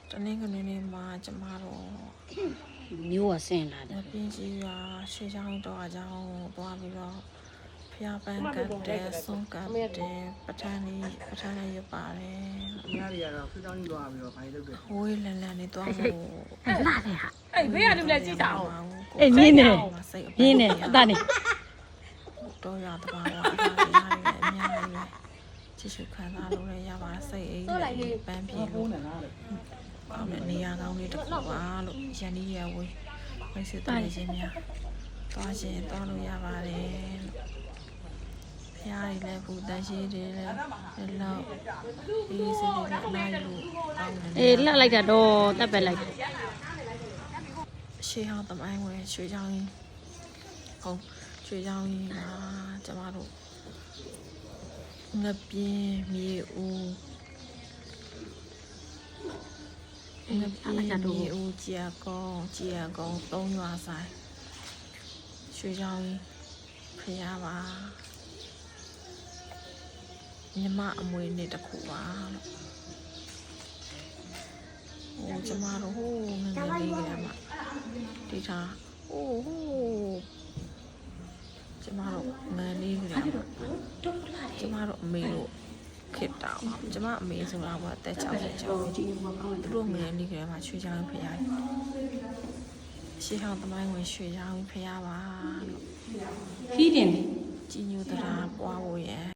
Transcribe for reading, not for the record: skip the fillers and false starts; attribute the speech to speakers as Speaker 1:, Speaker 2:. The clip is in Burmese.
Speaker 1: တနင်္ဂနွေနေ့မှာကျမတို့
Speaker 2: မျိုးကဆင်းလာတယ်
Speaker 1: ပြင်းကြီးရွာရွှေချောင်းတော့အကြောင်းသွားပြီးတော့ဖျားပန်းကတ်တဲ့ဆုံးကတ်တဲ့ပထန်းလေးရပါတယ်
Speaker 3: ။ဒီဟာတွေကတော့ဖွေးချောင်းကြီးသွားပြီးတော့ဘာလို့လုပ်လဲ
Speaker 1: ဝေးလန်လန်နေသွားဖို့
Speaker 2: လာတယ်ဟာ
Speaker 4: အဲ့ဘေးကလူလည်းကြည့်တာအောင်
Speaker 2: အေးမြင်းနေမြင်းနေအတနေ
Speaker 1: တော့ရတပါတော့အများကြီးအများကြီးချစ်ချူခံစားလို့လည်းရပါစိတ်အိမ်လေးပန်းပြေ
Speaker 3: ။ဖု
Speaker 1: လို့
Speaker 3: န်းနဲ့လားလေ
Speaker 1: ကောင်းတဲ့နေရာကောင်းလေးတစ်ခုပါလို့ရန်ဒီရဝေးမိတ်ဆွေတည်းချင်းများသွားခြင်းသွားလို့ရပါတယ်ဖျားတွေလည်းဘူးတန်ရှိတွေလည်းလောက်ဒီစိတ်တွေလည်းအနားယူကောင်းတယ်
Speaker 2: အေးလှလိုက်တာတော့တက်ပဲလိုက်
Speaker 1: ရှေးဟောင်းသမိုင်းဝင်ရွှေချောင်းကြီးဟုတ်ရွှေချောင်းကြီးမှာကျမတို့ငပြင်းမြေဦးငပြင်းမြေဦးကြာကောင်းသုံးရွာဆိုင်ရွှေချောင်းကြီးဖျားပါညီမအမွေနေ့တစ်ခုပါလို့ဟိုကျမတို့ဟိုးငငယ်လေးကမှဒီထားဟိုးကျမတို့ငယ်လေးကကျမတို့အမေတို့ခစ်တောင်ကျမအမေဆိုတာကအသက်60ကျော်သူတို့ငယ်လေးကမှရွှေချောင်းဖျားရှေးဟောင်းသမိုင်းဝင်ရွှေချောင်းဖျားပါလို့
Speaker 2: ဖီးတင်
Speaker 1: ကြီးညိုတရားပွားဖို့ရ